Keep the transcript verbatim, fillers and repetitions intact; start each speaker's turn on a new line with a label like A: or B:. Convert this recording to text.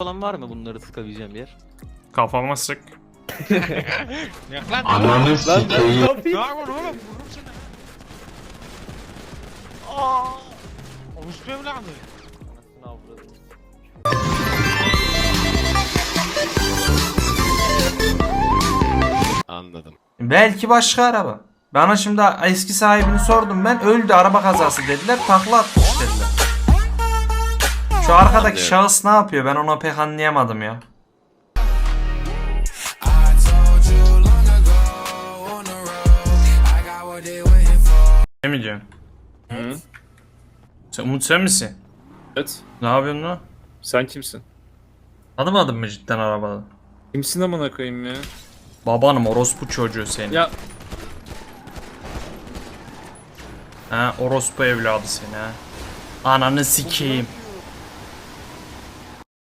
A: falan var mı bunları sıkabileceğim yer?
B: Kafama sık.
C: Yak lan.
D: Ananı sikeyim.
C: Ne yapıyorsun oğlum? Vururum seni. Aaa. Orospu evladı.
A: Anasını avradım.
E: Anladım.
F: Belki başka araba. Bana şimdi eski sahibini sordum ben. Öldü, araba kazası dediler. Takla atmış dediler. Şu arkadaki
E: Anlıyorum.
F: şahıs ne yapıyor? Ben onu pek anlayamadım ya. Ne mi diyorsun?
B: Hı?
F: Sen, Umut sen misin?
B: Evet.
F: Ne yapıyorsun lan?
B: Sen kimsin?
F: Tanımadın mı cidden arabada?
B: Kimsin amına koyayım ya?
F: Babanım, orospu çocuğu senin.
B: Ya
F: Ha, orospu evladı seni ha. Ananı sikeyim.